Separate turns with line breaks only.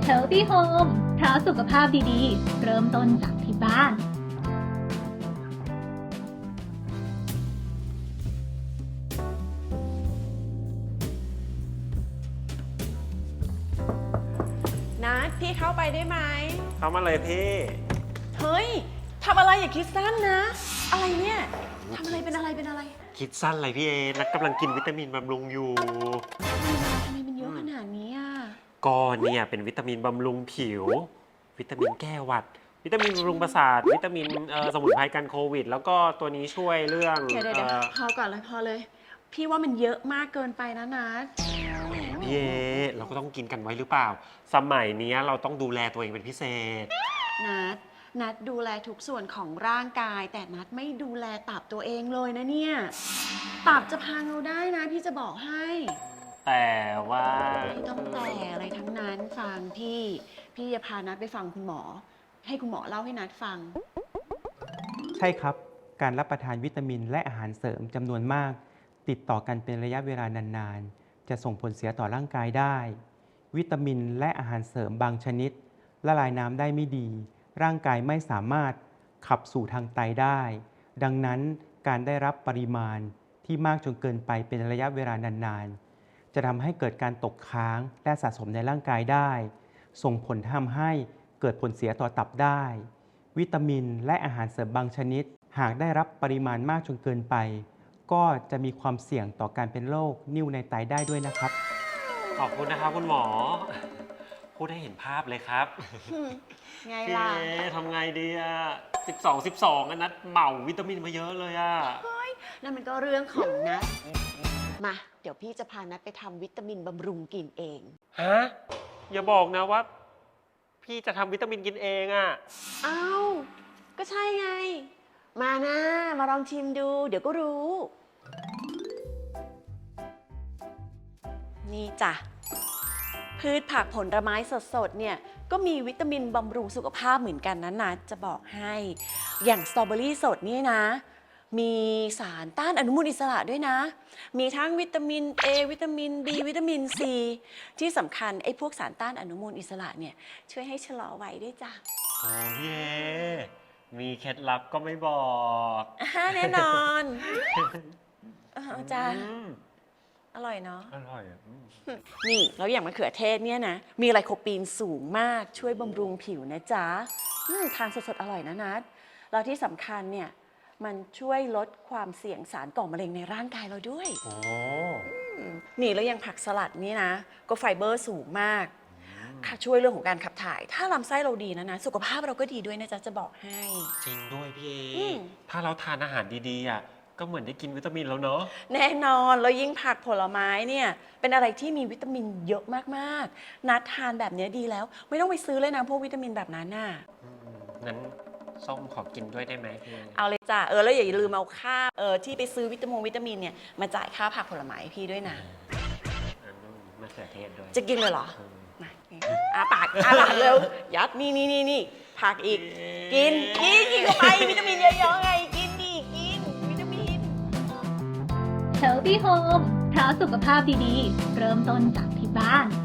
Healthy Home เพราะสุขภาพดีๆ เริ่มต้นจากที่บ้าน
นัดพี่เข้าไปได้ไหม
เข้ามาเลยพี่
เฮ้ยทำอะไรอย่าคิดสั้นนะ อะไรเนี่ยทำอะไรเป็นอะไรเป็นอะไร
คิดสั้นอะไรพี่เอนักกำลังกินวิตามินบำรุงอยู่
ทำไมมันเยอะขนาดนี้อ่ะ
ก็เนี่ยเป็นวิตามินบำรุงผิว วิตามินแก้หวัด วิตามินบำรุงประสาท วิตามินสมุนไพรกันโควิด แล้วก็ตัวนี้ช่วยเรื่อง
เดี๋ยวพอก่อนเลยพอเลย พี่ว่ามันเยอะมากเกินไปนะนัด
พี่เอเราก็ต้องกินกันไว้หรือเปล่า สมัยนี้เราต้องดูแลตัวเองเป็นพิเศษ
นัดดูแลทุกส่วนของร่างกาย แต่นัดไม่ดูแลตับตัวเองเลยนะเนี่ย ตับจะพังเราได้นะพี่จะบอกให้
แต่ว่า
ไม่ต้องแต่อะไรทั้งนั้นฟังพี่จะพานัดไปฟังคุณหมอ ให้คุณหมอเล่าให้นัดฟัง
ใช่ครับ การรับประทานวิตามินและอาหารเสริมจำนวนมาก ติดต่อกันเป็นระยะเวลานานๆ จะส่งผลเสียต่อร่างกายได้ วิตามินและอาหารเสริมบางชนิดละลายน้ำได้ไม่ดี ร่างกายไม่สามารถขับสู่ทางไตได้ ดังนั้นการได้รับปริมาณที่มากจนเกินไปเป็นระยะเวลานานๆ จะทำให้เกิดการตกค้างและสะสมในร่างกายได้ ส่งผลทำให้เกิดผลเสียต่อตับได้ วิตามินและอาหารเสริมบางชนิด หากได้รับปริมาณมากจนเกินไป ก็จะมีความเสี่ยงต่อการเป็นโรคนิ่วในไตได้ด้วยนะครับ
ขอบคุณนะครับคุณหมอ พูดให้เห็นภาพเลยครับ
ไง
พี่
ล่ะ
เอทำไงดีอะ12อันนัดเหมาวิตามินมาเยอะเลยอะ
นั่นมันก็เรื่องของนัดมา เดี๋ยวพี่จะพานัดไปทำวิตามินบำรุงกินเอง
ฮะอย่าบอกนะว่า พี่จะทำวิตามินกินเองอะ
เอ้า ก็ใช่ไง มานะมาลองชิมดู เดี๋ยวก็รู้ นี่จ้ะ พืชผักผลไม้สดๆ เนี่ย ก็มีวิตามินบำรุงสุขภาพเหมือนกันนะนัดจะบอกให้ อย่างสตรอเบอรี่สดนี่นะ มีสารต้านอนุมูลอิสระด้วยนะ มีทั้งวิตามิน A วิตามิน B วิตามิน C ที่สำคัญไอ้พวกสารต้านอนุมูลอิสระเนี่ยช่วยให้ชะลอวัยด้วยจ้ะ
โอ้พี่เอมีเคล็ดลับก็ไม่บอก
แน่นอนจ้ะ
อืม
อร่อยเนาะ
อร่อยอะ
นี่แล้วอย่างมะเขือเทศเนี่ยนะ มีไลโคปีนสูงมากช่วยบำรุงผิวนะจ๊ะทานสดๆ อร่อยนะนัดแล้วที่สำคัญเนี่ย มันช่วยลดความเสี่ยงสารก่อมะเร็งในร่างกายเราด้วย
โอ้
นี่แล้วยังผักสลัดนี่นะ ก็ไฟเบอร์สูงมากค่ะช่วยเรื่องของการขับถ่าย ถ้าลำไส้เราดีนะสุขภาพเราก็ดีด้วยนะจ๊ะจะบอกให้
จริงด้วยพี่เอ
อืม
ถ้าเราทานอาหารดีๆอะก็เหมือนได้กินวิตามินแล้วเนาะ
แน่นอนแล้วยิ่งผักผลไม้เนี่ยเป็นอะไรที่มีวิตามินเยอะมากๆ นัดทานแบบนี้ดีแล้ว ไม่ต้องไปซื้อเลยนะพวกวิตามินแบบนั้นน่ะ
งั้นส้มขอกินด้วยได้ไหมพี่
เอาเลยจ้ะแล้วอย่าลืมเอาค่าที่ไปซื้อวิตามินเนี่ยมาจ่ายค่าผักผลไม้ให้พี่ด้วยนะ
อันนู้นมะเขือเทศด้วย
จะกินเลยเหรอมาปากเร็วยัดนี่ผักอีกกินเข้าไปวิตามินเยอะๆไงกินวิตามิน
Healthy Home เพราะสุขภาพดีๆ เริ่มต้นจากที่บ้าน